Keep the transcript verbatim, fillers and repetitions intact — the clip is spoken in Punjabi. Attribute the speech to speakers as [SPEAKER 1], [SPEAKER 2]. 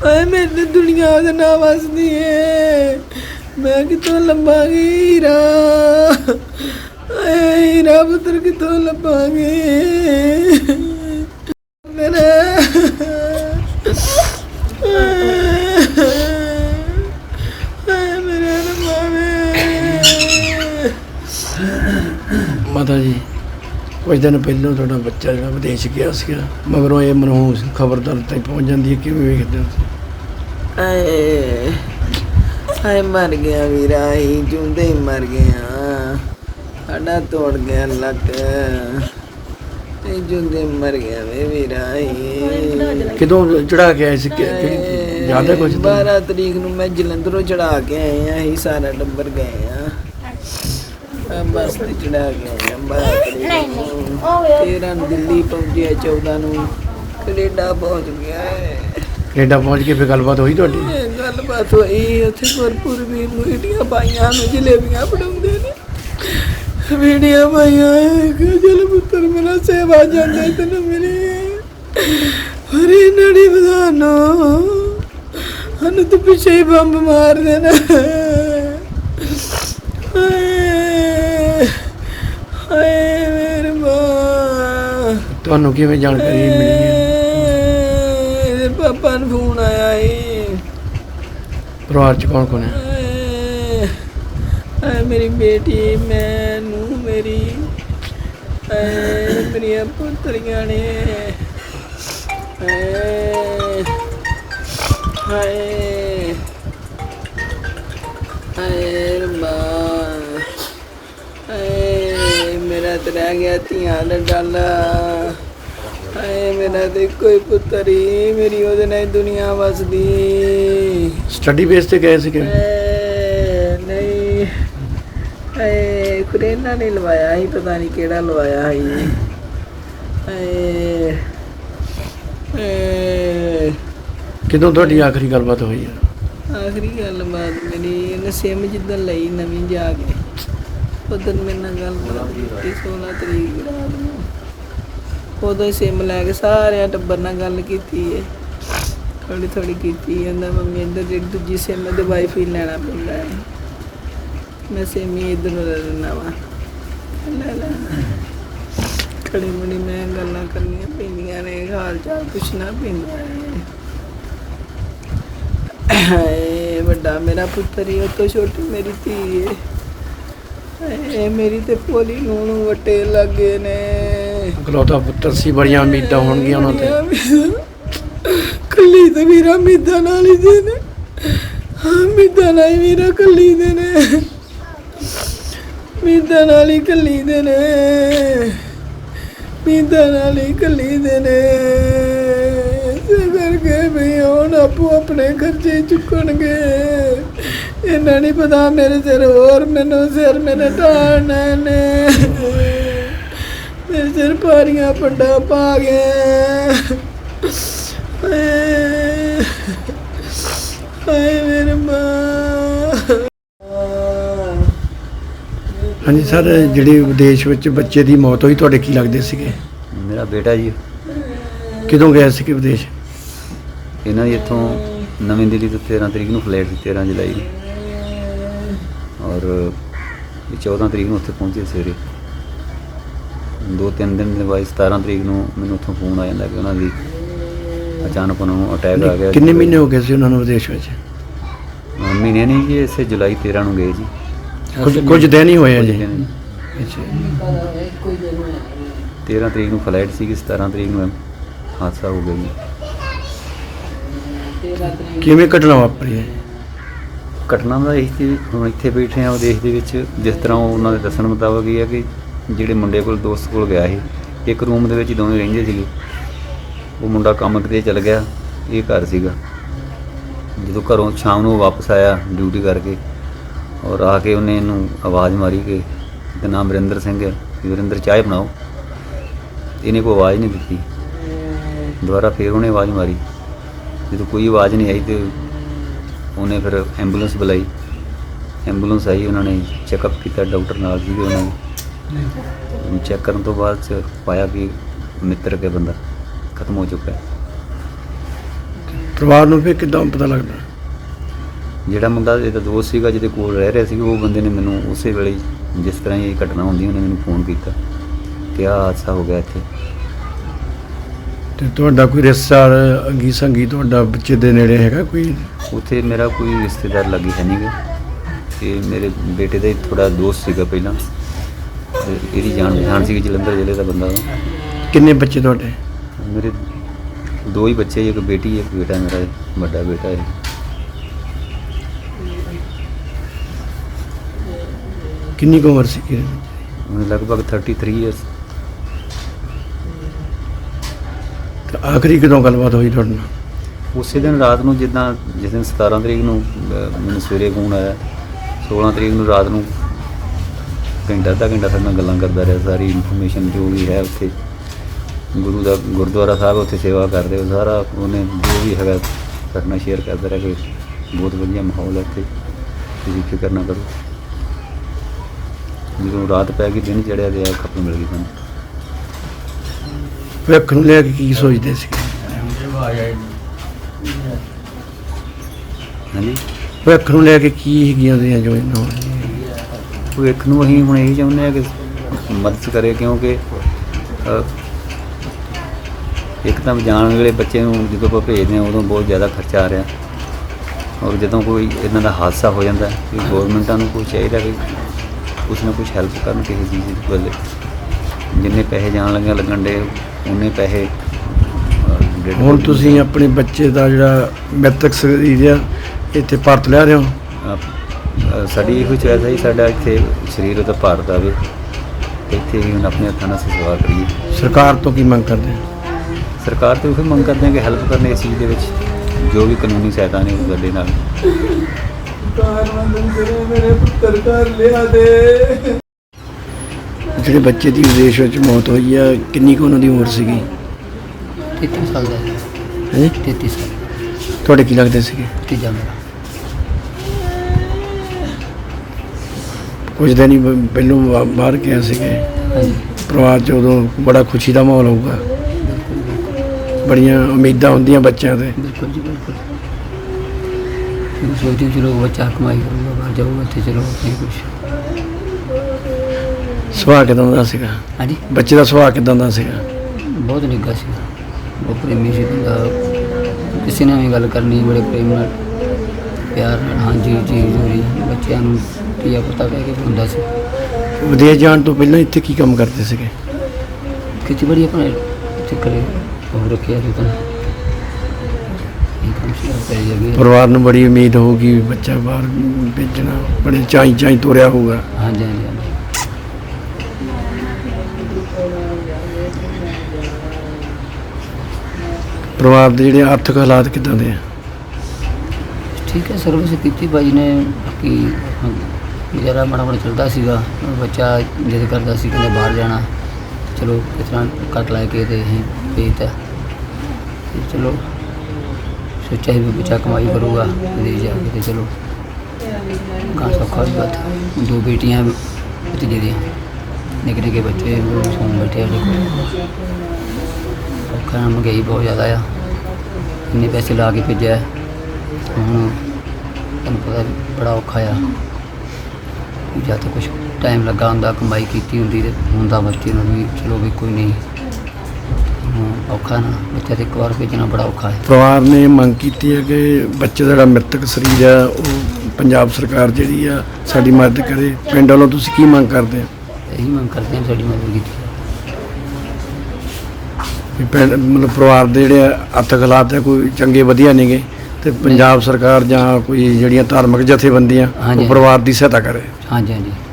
[SPEAKER 1] ਹਾਏ ਮੇਰੀ ਤੇ ਦੁਨੀਆ ਉਹਦੇ ਨਾਲ ਵਸਦੀ ਏ। ਮੈਂ ਕਿੱਥੋਂ ਲੱਭਾਂਗੀ ਹੀਰਾ? ਹਾਏ ਹੀਰਾ ਪੁੱਤਰ ਕਿੱਥੋਂ ਲੱਭਾਂਗੀ ਮੇਰਾ? ਹਾਏ ਮੇਰੇ ਰੱਬਾ ਵੇ। ਮਾਤਾ ਜੀ ਕੁਝ ਦਿਨ ਪਹਿਲਾਂ ਤੁਹਾਡਾ ਬੱਚਾ ਜਿਹੜਾ ਵਿਦੇਸ਼ ਗਿਆ ਸੀਗਾ, ਮਗਰੋਂ ਇਹ ਮਰਹੂਮ ਖਬਰਦਾਰ ਤੱਕ ਪਹੁੰਚ ਜਾਂਦੀ ਹੈ, ਕਿਵੇਂ ਵੇਖਦੇ ਹੋ?
[SPEAKER 2] ਹਾਏ ਹਾਏ ਮਰ ਗਿਆ ਵੀਰਾ, ਹੀ ਜਿਉਂਦੇ ਹੀ ਮਰ ਗਿਆ। ਸਾਡਾ ਤੋੜ ਗਿਆ ਲੱਕ, ਇਹ ਜਿਉਂਦੇ ਮਰ ਗਿਆ ਵੇ ਵੀਰਾ। ਹੀ
[SPEAKER 1] ਕਿਦੋਂ ਚੜਾ ਕੇ ਆਏ ਸੀ? ਯਾਦ ਹੈ ਕੁਝ?
[SPEAKER 2] ਬਾਰਾਂ ਤਰੀਕ ਨੂੰ ਮੈਂ ਜਲੰਧਰੋਂ ਚੜਾ ਕੇ ਆਏ ਆ, ਅਸੀਂ ਸਾਰਾ ਟੱਬਰ ਗਏ ਆ ਬੱਸ ਤੇ ਚੜਾ ਕੇ ਆਏ ਆ। ਬਾਰਾਂ ਤਰੀਕ ਨੂੰ ਤੇਰਾਂ ਨੂੰ ਦਿੱਲੀ ਪਹੁੰਚਿਆ, ਚੌਦਾਂ ਨੂੰ ਕੈਨੇਡਾ ਪਹੁੰਚ ਗਿਆ ਹੈ।
[SPEAKER 1] ਕੈਨੇਡਾ ਪਹੁੰਚ ਕੇ ਫਿਰ ਗੱਲਬਾਤ ਹੋਈ ਤੁਹਾਡੀ?
[SPEAKER 2] ਗੱਲਬਾਤ ਹੋਈ ਉੱਥੇ ਗੁਰਪੁਰ ਵੀਰ ਨੂੰ ਵੀਡੀਆਂ ਪਾਈਆਂ ਨੂੰ, ਜਲੇਬੀਆਂ ਫੜਾਉਂਦੇ ਨੇ, ਵੀਡੀਆਂ ਪਾਈਆਂ ਜਲ ਪੁੱਤਰ ਮੇਰਾ ਸੇਵਾ ਜਾਂਦੇ ਤੈਨੂੰ ਮਿਲੇ ਹਰੀ ਨੜੀ ਬਧਾਨੋ ਹਨ ਤੂੰ ਪਿੱਛੇ ਹੀ ਬੰਬ ਮਾਰ ਦੇਣਾ। ਹਾਏ ਹਾਏ ਮੇਰੇ ਮਾਂ।
[SPEAKER 1] ਤੁਹਾਨੂੰ ਕਿਵੇਂ ਜਾਣਕਾਰੀ ਮਿਲੀ ਹੈ?
[SPEAKER 2] ਪਾਪਾ ਨੂੰ ਫੋਨ ਆਇਆ ਏ।
[SPEAKER 1] ਪਰਿਵਾਰ ਚ ਕੌਣ ਕੌਣ ਹੈ?
[SPEAKER 2] ਹਾਏ ਮੇਰੀ ਬੇਟੀ, ਮੈਨੂੰ ਮੇਰੀ ਹਾਏ ਮੇਰੀਆਂ ਪੁੱਤਰੀਆਂ ਨੇ। ਹਾਏ ਹਾਏ ਹਾਏ ਰੱਬਾ। ਹਾਏ ਮੇਰਾ ਤੇ ਰਹਿ ਗਿਆ ਧੀਆਂ ਦਾ ਡਾਲਾ। ਹਾਏ ਮੇਰਾ ਤੇ ਕੋਈ ਪੁੱਤਰ ਹੀ, ਮੇਰੀ ਉਹਦੇ ਨਾਲ ਦੁਨੀਆ ਵਸਦੀ।
[SPEAKER 1] ਸਟੱਡੀ ਬੇਸ ਤੇ ਗਏ ਸੀ ਕਿ
[SPEAKER 2] ਨਹੀਂ? ਹਾਏ ਕਰੇਨਾ ਨੇ ਲਵਾਇਆ ਸੀ, ਪਤਾ ਨਹੀਂ ਕਿਹੜਾ ਲਵਾਇਆ ਸੀ। ਹਾਏ ਹਾਏ
[SPEAKER 1] ਕਿਦੋਂ ਤੁਹਾਡੀ ਆਖਰੀ ਗੱਲਬਾਤ ਹੋਈ ਹੈ?
[SPEAKER 2] ਆਖਰੀ ਗੱਲਬਾਤ ਮੇਰੀ ਇਹਨੇ ਸਿਮ ਜਿੱਦਣ ਲਈ ਨਵੀਂ ਜਾ ਕੇ, ਉਦੋਂ ਮੇਰੇ ਨਾਲ ਗੱਲਬਾਤ ਕੀਤੀ ਸੋਲਾਂ ਤਰੀਕ ਰਾਤ ਨੂੰ। ਉਦੋਂ ਹੀ ਸਿਮ ਲੈ ਕੇ ਸਾਰਿਆਂ ਟੱਬਰ ਨਾਲ ਗੱਲ ਕੀਤੀ ਹੈ, ਥੋੜ੍ਹੀ ਥੋੜ੍ਹੀ ਕੀਤੀ। ਕਹਿੰਦਾ ਮੰਮੀ ਇੱਧਰ ਜਿਹੜੀ ਦੂਜੀ ਸਿਮ ਦੇ ਵਾਈਫਾਈ ਲੈਣਾ ਪੈਂਦਾ ਹੈ, ਮੈਂ ਸਿਮ ਹੀ ਇੱਧਰ ਨੂੰ ਲੈ ਲੈਂਦਾ ਵਾ, ਲੈ ਲੈ। ਖੜੀ ਮੁੜੀ ਮੈਂ ਗੱਲਾਂ ਕਰਨੀਆਂ ਪੈਂਦੀਆਂ ਨੇ, ਹਾਲ ਚਾਲ ਪੁੱਛਣਾ ਪੈਂਦਾ ਹੈ। ਵੱਡਾ ਮੇਰਾ ਪੁੱਤਰ ਹੀ, ਉਹ ਤੋਂ ਛੋਟੀ ਮੇਰੀ ਧੀ ਹੈ। ਇਹ ਮੇਰੀ ਤੇ ਭੋਲੀ ਨੂੰ ਨੂੰ ਵੱਟੇ ਲੱਗੇ ਨੇ।
[SPEAKER 1] ਇਕਲੌਤਾ ਪੁੱਤਰ ਸੀ, ਬੜੀਆਂ ਉਮੀਦਾਂ ਹੋਣਗੀਆਂ ਉਹਨਾਂ ਤੇ।
[SPEAKER 2] ਕੱਲੀ ਤੇ ਵੀਰਾ ਉਮੀਦਾਂ ਨਾਲ ਹੀ ਦੇ ਨੇ, ਉਮੀਦਾਂ ਨਾਲ ਹੀ ਵੀਰਾ ਕੱਲੀ ਦੇ ਨੇ, ਉਮੀਦਾਂ ਨਾਲ ਹੀ ਕੱਲੀ ਦੇ ਨੇ, ਉਮੀਦਾਂ ਨਾਲ ਹੀ ਕੱਲੀ ਦੇ ਨੇ। ਇਸੇ ਕਰਕੇ ਵੀ ਹੁਣ ਆਪੋ ਆਪਣੇ ਖਰਚੇ ਚੁੱਕਣਗੇ। ਇਹਨਾਂ ਨਹੀਂ ਪਤਾ ਮੇਰੇ ਸਿਰ ਹੋਰ ਮੈਨੂੰ ਸਿਰ ਮੇਰੇ ਢਾਣੇ ਨੇ, ਮੇਰੇ ਸਿਰ ਭਾਰੀਆਂ ਪੰਡਾ ਪਾ ਗਏ। ਹਾਏ ਹਾਏ ਮੇਰੇ ਮਾਂ।
[SPEAKER 1] ਹਾਂਜੀ ਸਰ, ਜਿਹੜੀ ਵਿਦੇਸ਼ ਵਿੱਚ ਬੱਚੇ ਦੀ ਮੌਤ ਹੋਈ, ਤੁਹਾਡੇ ਕੀ ਲੱਗਦੇ ਸੀਗੇ?
[SPEAKER 3] ਮੇਰਾ ਬੇਟਾ ਜੀ।
[SPEAKER 1] ਕਿਦੋਂ ਗਏ ਸੀ ਵਿਦੇਸ਼?
[SPEAKER 3] ਇਹਨਾਂ ਦੀ ਇੱਥੋਂ ਨਵੀਂ ਦਿੱਲੀ ਤੋਂ ਤੇਰਾਂ ਤਰੀਕ ਨੂੰ ਫਲਾਈਟ ਸੀ, ਤੇਰਾਂ ਜੁਲਾਈ ਨੂੰ, ਔਰ ਇਹ ਚੌਦਾਂ ਤਰੀਕ ਨੂੰ ਉੱਥੇ ਪਹੁੰਚੇ ਸਵੇਰੇ। ਦੋ ਤਿੰਨ ਦਿਨ ਦੇ ਬਾਅਦ ਸਤਾਰਾਂ ਤਰੀਕ ਨੂੰ ਮੈਨੂੰ ਉੱਥੋਂ ਫੋਨ ਆ ਜਾਂਦਾ ਕਿ ਉਹਨਾਂ ਦੀ ਅਚਾਨਕ ਉਹਨਾਂ ਨੂੰ ਅਟੈਕ ਆ ਗਿਆ।
[SPEAKER 1] ਕਿੰਨੇ ਮਹੀਨੇ ਹੋ ਗਏ ਸੀ ਉਹਨਾਂ ਨੂੰ ਵਿਦੇਸ਼ ਵਿੱਚ?
[SPEAKER 3] ਮਹੀਨੇ ਨਹੀਂ ਜੀ, ਇਸੇ ਜੁਲਾਈ ਤੇਰਾਂ ਨੂੰ ਗਏ ਜੀ।
[SPEAKER 1] ਕੁਝ ਕੁਝ ਦਿਨ ਹੀ ਹੋਏ ਆ ਜੀ।
[SPEAKER 3] ਤੇਰਾਂ ਤਰੀਕ ਨੂੰ ਫਲਾਈਟ ਸੀਗੀ, ਸਤਾਰਾਂ ਤਰੀਕ ਨੂੰ ਹਾਦਸਾ ਹੋ ਗਿਆ ਜੀ।
[SPEAKER 1] ਕਿਵੇਂ ਘਟਨਾ ਵਾਪਰੀ ਹੈ?
[SPEAKER 3] ਘਟਨਾ ਦਾ ਇਹ ਸੀ, ਹੁਣ ਇੱਥੇ ਬੈਠੇ ਹਾਂ ਵਿਦੇਸ਼ ਦੇ ਵਿੱਚ, ਜਿਸ ਤਰ੍ਹਾਂ ਉਹਨਾਂ ਦੇ ਦੱਸਣ ਮੁਤਾਬਕ ਇਹ ਹੈ ਕਿ ਜਿਹੜੇ ਮੁੰਡੇ ਕੋਲ ਦੋਸਤ ਕੋਲ ਗਿਆ ਸੀ, ਇੱਕ ਰੂਮ ਦੇ ਵਿੱਚ ਹੀ ਦੋਵੇਂ ਰਹਿੰਦੇ ਸੀਗੇ। ਉਹ ਮੁੰਡਾ ਕੰਮ ਕਿਤੇ ਚਲ ਗਿਆ, ਇਹ ਘਰ ਸੀਗਾ। ਜਦੋਂ ਘਰੋਂ ਸ਼ਾਮ ਨੂੰ ਵਾਪਸ ਆਇਆ ਡਿਊਟੀ ਕਰਕੇ, ਔਰ ਆ ਕੇ ਉਹਨੇ ਇਹਨੂੰ ਆਵਾਜ਼ ਮਾਰੀ ਕਿ ਇਹਦਾ ਨਾਮ ਵਰਿੰਦਰ ਸਿੰਘ ਹੈ, ਵਰਿੰਦਰ ਚਾਹ ਬਣਾਓ। ਇਹਨੇ ਕੋਈ ਆਵਾਜ਼ ਨਹੀਂ ਦਿੱਤੀ। ਦੁਬਾਰਾ ਫਿਰ ਉਹਨੇ ਆਵਾਜ਼ ਮਾਰੀ, ਜਦੋਂ ਕੋਈ ਆਵਾਜ਼ ਨਹੀਂ ਆਈ ਤੇ ਉਹਨੇ ਫਿਰ ਐਂਬੂਲੈਂਸ ਬੁਲਾਈ। ਐਂਬੂਲੈਂਸ ਆਈ, ਉਹਨਾਂ ਨੇ ਚੈੱਕਅਪ ਕੀਤਾ, ਡਾਕਟਰ ਨਾਲ ਸੀਗੇ ਉਹਨਾਂ ਨੇ। ਚੈੱਕ ਕਰਨ ਤੋਂ ਬਾਅਦ 'ਚ ਪਾਇਆ ਕਿ ਮਿੱਤਰ ਕੇ ਬੰਦਾ ਖਤਮ ਹੋ ਚੁੱਕਾ ਹੈ।
[SPEAKER 1] ਪਰਿਵਾਰ ਨੂੰ ਫਿਰ ਕਿੱਦਾਂ ਪਤਾ ਲੱਗਦਾ?
[SPEAKER 3] ਜਿਹੜਾ ਮੁੰਡਾ ਇਹਦਾ ਦੋਸਤ ਸੀਗਾ ਜਿਹਦੇ ਕੋਲ ਰਹਿ ਰਿਹਾ ਸੀ, ਉਹ ਬੰਦੇ ਨੇ ਮੈਨੂੰ ਉਸੇ ਵੇਲੇ ਹੀ, ਜਿਸ ਤਰ੍ਹਾਂ ਹੀ ਇਹ ਘਟਨਾ ਹੁੰਦੀ, ਉਹਨੇ ਮੈਨੂੰ ਫੋਨ ਕੀਤਾ ਕਿ ਆਹ ਹਾਦਸਾ ਹੋ ਗਿਆ ਇੱਥੇ।
[SPEAKER 1] ਤੇ ਤੁਹਾਡਾ ਕੋਈ ਰਿਸ਼ਤੇਦਾਰ ਅੰਗੀ ਸੰਗੀ ਤੁਹਾਡਾ ਬੱਚੇ ਦੇ ਨੇੜੇ ਹੈਗਾ ਕੋਈ?
[SPEAKER 3] ਉੱਥੇ ਮੇਰਾ ਕੋਈ ਰਿਸ਼ਤੇਦਾਰ ਲੱਗੀ ਹੈ ਨਹੀਂ ਗਾ, ਤੇ ਮੇਰੇ ਬੇਟੇ ਦਾ ਹੀ ਥੋੜਾ ਦੋਸਤ ਸੀਗਾ ਪਹਿਲਾਂ, ਤੇ ਇਹਦੀ ਜਾਣ ਪਛਾਣ ਸੀਗੀ, ਜਲੰਧਰ ਜ਼ਿਲ੍ਹੇ ਦਾ ਬੰਦਾ ਉਹ।
[SPEAKER 1] ਕਿੰਨੇ ਬੱਚੇ ਤੁਹਾਡੇ?
[SPEAKER 3] ਮੇਰੇ ਦੋ ਹੀ ਬੱਚੇ, ਇੱਕ ਬੇਟੀ ਇੱਕ ਬੇਟਾ, ਮੇਰਾ ਵੱਡਾ ਬੇਟਾ ਹੈ।
[SPEAKER 1] ਕਿੰਨੀ ਕੁ ਉਮਰ ਸੀ?
[SPEAKER 3] ਉਹਨੂੰ ਲਗਭਗ ਤੀਹ ਇਅਰਸ।
[SPEAKER 1] ਤੇ ਆਖਰੀ ਕਦੋਂ ਗੱਲਬਾਤ ਹੋਈ ਤੁਹਾਡੇ ਨਾਲ?
[SPEAKER 3] ਉਸੇ ਦਿਨ ਰਾਤ ਨੂੰ, ਜਿੱਦਾਂ ਜਿਸ ਦਿਨ ਸਤਾਰਾਂ ਤਰੀਕ ਨੂੰ ਅਹ, ਮੈਨੂੰ ਸਵੇਰੇ ਫੋਨ ਆਇਆ, ਸੋਲਾਂ ਤਰੀਕ ਨੂੰ ਰਾਤ ਨੂੰ ਘੰਟਾ ਅੱਧਾ ਘੰਟਾ ਸਾਡੇ ਨਾਲ ਗੱਲਾਂ ਕਰਦਾ ਰਿਹਾ, ਸਾਰੀ ਇਨਫੋਰਮੇਸ਼ਨ ਜੋ ਵੀ ਹੈ ਉੱਥੇ ਗੁਰੂ ਦਾ ਗੁਰਦੁਆਰਾ ਸਾਹਿਬ ਉੱਥੇ ਸੇਵਾ ਕਰਦੇ ਉਹ ਸਾਰਾ ਉਹਨੇ ਜੋ ਵੀ ਹੈਗਾ ਸਾਡੇ ਨਾਲ ਸ਼ੇਅਰ ਕਰਦਾ ਰਿਹਾ ਕਿ ਬਹੁਤ ਵਧੀਆ ਮਾਹੌਲ ਹੈ ਇੱਥੇ, ਤੁਸੀਂ ਫਿਕਰ ਨਾ ਕਰੋ। ਜਦੋਂ ਰਾਤ ਪੈ ਗਈ, ਦਿਨ ਚੜ੍ਹਿਆ ਤੇ ਆ ਖਬਰ ਮਿਲ ਗਈ ਸਾਨੂੰ।
[SPEAKER 1] ਭਵਿੱਖ ਨੂੰ ਲੈ ਕੇ ਕੀ ਸੋਚਦੇ ਸੀ?
[SPEAKER 3] ਹਾਂਜੀ,
[SPEAKER 1] ਭਵਿੱਖ ਨੂੰ ਲੈ ਕੇ ਕੀ ਹੈਗੀਆਂ ਉਹਦੀਆਂ ਜੋ ਇਹਨਾਂ
[SPEAKER 3] ਭਵਿੱਖ ਨੂੰ ਅਸੀਂ ਹੁਣ ਇਹੀ ਚਾਹੁੰਦੇ ਹਾਂ ਕਿ ਮਦਦ ਕਰੇ, ਕਿਉਂਕਿ ਅਹ, ਇੱਕ ਤਾਂ ਜਾਣ ਵੇਲੇ ਬੱਚੇ ਨੂੰ ਜਦੋਂ ਆਪਾਂ ਭੇਜਦੇ ਹਾਂ ਉਦੋਂ ਬਹੁਤ ਜ਼ਿਆਦਾ ਖਰਚਾ ਆ ਰਿਹਾ, ਔਰ ਜਦੋਂ ਕੋਈ ਇਹਨਾਂ ਦਾ ਹਾਦਸਾ ਹੋ ਜਾਂਦਾ ਕਿ ਗੌਰਮੈਂਟਾਂ ਨੂੰ ਕੋਈ ਚਾਹੀਦਾ ਕਿ ਕੁਛ ਨਾ ਕੁਛ ਹੈਲਪ ਕਰਨ ਕਿਸੇ ਚੀਜ਼ ਦੀ ਵੱਲ। ਜਿੰਨੇ ਪੈਸੇ ਜਾਣ ਲੱਗਿਆ ਲੱਗਣ ਦੇ ਉਨੇ ਪੈਸੇ ਅਹ, ਡੇਢ
[SPEAKER 1] ਹੁਣ
[SPEAKER 3] ਕੋਟੀ-
[SPEAKER 1] ਤੁਸੀਂ ਆਪਣੇ ਬੱਚੇ ਦਾ ਜਿਹੜਾ ਮ੍ਰਿਤਕ ਸਰੀਰ ਆ ਇੱਥੇ ਭਾਰਤ ਲਿਆ ਰਹੇ ਹੋ?
[SPEAKER 3] ਅਹ, ਅਹ, ਸਾਡੀ ਇਹੋ ਚੋਇਸ ਹੈ ਜੀ, ਸਾਡਾ ਇੱਥੇ ਸਰੀਰ ਉਹਦਾ ਭਾਰਤ ਆਵੇ ਤੇ ਇੱਥੇ ਹੀ ਹੁਣ ਆਪਣੇ ਹੱਥਾਂ ਨਾਲ ਅਸੀਂ ਸੇਵਾ ਕਰੀਏ।
[SPEAKER 1] ਸਰਕਾਰ ਤੋਂ ਕੀ ਮੰਗ ਕਰਦੇ ਹੋ?
[SPEAKER 3] ਸਰਕਾਰ ਤੋਂ ਇਹ ਮੰਗ ਕਰਦੇ ਹਾਂ ਕਿ ਹੈਲਪ ਕਰਨ ਇਸ ਚੀਜ਼ ਦੇ ਵਿੱਚ, ਜੋ ਵੀ ਕਾਨੂੰਨੀ ਸਹਾਇਤਾ ਨੇ ਉਹ ਸਾਡੇ ਨਾਲ।
[SPEAKER 1] ਜਿਹੜੇ ਬੱਚੇ ਦੀ ਵਿਦੇਸ਼ ਵਿੱਚ ਮੌਤ ਹੋਈ ਆ, ਕਿੰਨੀ ਕੁ ਉਹਨਾਂ ਦੀ ਉਮਰ ਸੀਗੀ?
[SPEAKER 4] ਤੇਤੀ ਸਾਲ ਦਾ ਹੈ।
[SPEAKER 1] ਹੈਂ?
[SPEAKER 4] ਤੇਤੀ ਸਾਲ
[SPEAKER 1] ਤੁਹਾਡੇ ਕੀ ਲੱਗਦੇ ਸੀਗੇ?
[SPEAKER 4] ਤੀਜਾ ਮੇਰਾ।
[SPEAKER 1] ਕੁਝ ਦਿਨ ਹੀ ਬ- ਪਹਿਲੋਂ ਬਾ- ਬਾਹਰ ਗਿਆ ਸੀਗੇ।
[SPEAKER 4] ਹਾਂਜੀ
[SPEAKER 1] ਪਰਿਵਾਰ 'ਚ ਉਦੋਂ ਬੜਾ ਖੁਸ਼ੀ ਦਾ ਮਾਹੌਲ ਹੋਊਗਾ,
[SPEAKER 4] ਬਿਲਕੁਲ ਬਿਲਕੁਲ
[SPEAKER 1] ਬੜੀਆਂ ਉਮੀਦਾਂ ਹੁੰਦੀਆਂ ਬੱਚਿਆਂ 'ਤੇ।
[SPEAKER 4] ਬਿਲਕੁਲ ਜੀ ਬਿਲਕੁਲ। ਮੈਂ ਸੋਚਦੀ ਹਾਂ ਚਲੋ ਬੱਚਾ ਕਮਾਈ ਕਰੂਗਾ, ਬਾਹਰ ਜਾਊਗਾ, ਇੱਥੇ ਚਲੋ ਨਹੀਂ ਕੁਛ।
[SPEAKER 1] ਸੁਭਾਅ ਕਿਦਾਂ ਦਾ ਸੀਗਾ
[SPEAKER 4] ਹਾਂਜੀ,
[SPEAKER 1] ਬੱਚੇ ਦਾ? ਸੁਭਾਅ ਕਿਦਾਂ ਦਾ ਸੀਗਾ?
[SPEAKER 4] ਬਹੁਤ ਨਿੱਘਾ ਸੀ, ਬਹੁਤ ਪ੍ਰੇਮੀ ਸੀ ਬੰਦਾ, ਕਿਸੇ ਨਾਲ ਵੀ ਗੱਲ ਕਰਨੀ ਬੜੇ ਪ੍ਰੇਮ ਨਾਲ, ਪਿਆਰ ਨਾਲ, ਹਾਂਜੀ ਜੀ ਜ਼ਰੂਰੀ। ਬੱਚਿਆਂ ਨੂੰ ਧੀਆ ਪੁੱਤਾਂ ਕਹਿ ਕੇ ਹੁੰਦਾ ਸੀ।
[SPEAKER 1] ਵਿਦੇਸ਼ ਜਾਣ ਤੋਂ ਪਹਿਲਾਂ ਇੱਥੇ ਕੀ ਕੰਮ ਕਰਦੇ ਸੀਗੇ?
[SPEAKER 4] ਖੇਤੀਬਾੜੀ ਆਪਣੇ ਇੱਥੇ ਕਰੇ ਉਹ ਰੱਖਿਆ ਸੀ ਤਾਂ ਇਹ ਕੰਮ ਸੀ ਕਰੀ ਜਾਂਦੇ।
[SPEAKER 1] ਪਰਿਵਾਰ ਨੂੰ ਬੜੀ ਉਮੀਦ ਹੋਊਗੀ ਵੀ ਬੱਚਾ ਬਾਹਰ ਭੇਜਣਾ, ਬੜੇ ਚਾਈ ਚਾਈ ਤੋਰਿਆ ਹੋਊਗਾ।
[SPEAKER 4] ਹਾਂਜੀ ਹਾਂਜੀ ਹਾਂਜੀ।
[SPEAKER 1] ਪਰਿਵਾਰ ਦੇ ਜਿਹੜੇ ਆਰਥਿਕ ਹਾਲਾਤ ਕਿਦਾਂ ਦੇ ਆ?
[SPEAKER 4] ਠੀਕ ਹੈ, ਸਰਵਿਸ ਕੀਤੀ ਬਾਈ ਨੇ, ਬਾਕੀ ਗੁਜ਼ਾਰਾ ਮਾੜਾ ਮਾੜਾ ਚੱਲਦਾ ਸੀਗਾ। ਬੱਚਾ ਜਿੱਦ ਕਰਦਾ ਸੀ ਕਹਿੰਦੇ ਬਾਹਰ ਜਾਣਾ, ਚਲੋ ਕਿਸ ਤਰ੍ਹਾਂ ਕੱਟ ਲੈ ਕੇ ਤੇ ਅਸੀਂ ਭੇਜਤਾ। ਤੇ ਚਲੋ ਸੋਚਿਆ ਸੀ ਵੀ ਬੱਚਾ ਕਮਾਈ ਕਰੂਗਾ ਵਿਦੇਸ਼ ਜਾ ਕੇ, ਤੇ ਚਲੋ ਗਾਂ ਸੌਖਾ ਵੀ ਬਾਤ। ਦੋ ਬੇਟੀਆਂ ਭਤੀਜੇ ਦੀਆਂ, ਨਿੱਕੇ ਨਿੱਕੇ ਬੱਚੇ ਉਹ ਸੌਂ ਬੈਠੇ ਸਾਡੇ ਕੋਲ। ਔਖਾ ਨਾ, ਮਹਿੰਗਾਈ ਬਹੁਤ ਜ਼ਿਆਦਾ ਆ, ਇੰਨੇ ਪੈਸੇ ਲਾ ਕੇ ਭੇਜਿਆ, ਹੁਣ ਤੁਹਾਨੂੰ ਪਤਾ ਵੀ ਬੜਾ ਔਖਾ ਆ। ਜਦ ਤੱਕ ਕੁਛ ਟਾਈਮ ਲੱਗਾ ਹੁੰਦਾ, ਕਮਾਈ ਕੀਤੀ ਹੁੰਦੀ ਤੇ ਹੁੰਦਾ ਬੱਚੇ ਨੂੰ ਵੀ ਚਲੋ ਵੀ ਕੋਈ ਨਹੀਂ। ਹੁਣ ਔਖਾ ਨਾ, ਬੱਚਾ ਤੇ ਇੱਕ ਵਾਰ ਭੇਜਣਾ ਬੜਾ ਔਖਾ ਹੈ।
[SPEAKER 1] ਪਰਿਵਾਰ ਨੇ ਮੰਗ ਕੀਤੀ ਹੈ ਕਿ ਬੱਚੇ ਦਾ ਜਿਹੜਾ ਮ੍ਰਿਤਕ ਸਰੀਰ ਆ ਉਹ ਪੰਜਾਬ ਸਰਕਾਰ ਜਿਹੜੀ ਆ ਸਾਡੀ ਮਦਦ ਕਰੇ। ਪਿੰਡ ਵੱਲੋਂ ਤੁਸੀਂ ਕੀ ਮੰਗ ਕਰਦੇ ਹੋ?
[SPEAKER 4] ਇਹੀ ਮੰਗ ਕਰਦੇ ਹਾਂ ਸਾਡੀ ਮਦਦ ਕੀਤੀ ਜਾਵੇ।
[SPEAKER 1] ਵੀ ਪਿੰਡ ਮਤਲਬ ਪਰਿਵਾਰ ਦੇ ਜਿਹੜੇ ਆਰਥਿਕ ਹਾਲਾਤ ਆ ਕੋਈ ਚੰਗੇ ਵਧੀਆ ਨੇਗੇ, ਤੇ ਪੰਜਾਬ ਸਰਕਾਰ ਜਾਂ ਕੋਈ ਜਿਹੜੀਆਂ ਧਾਰਮਿਕ ਜਥੇਬੰਦੀਆਂ
[SPEAKER 4] ਹਾਂਜੀ।
[SPEAKER 1] ਉਹ ਪਰਿਵਾਰ ਦੀ ਸਹਾਇਤਾ ਕਰੇ।
[SPEAKER 4] ਹਾਂਜੀ ਹਾਂਜੀ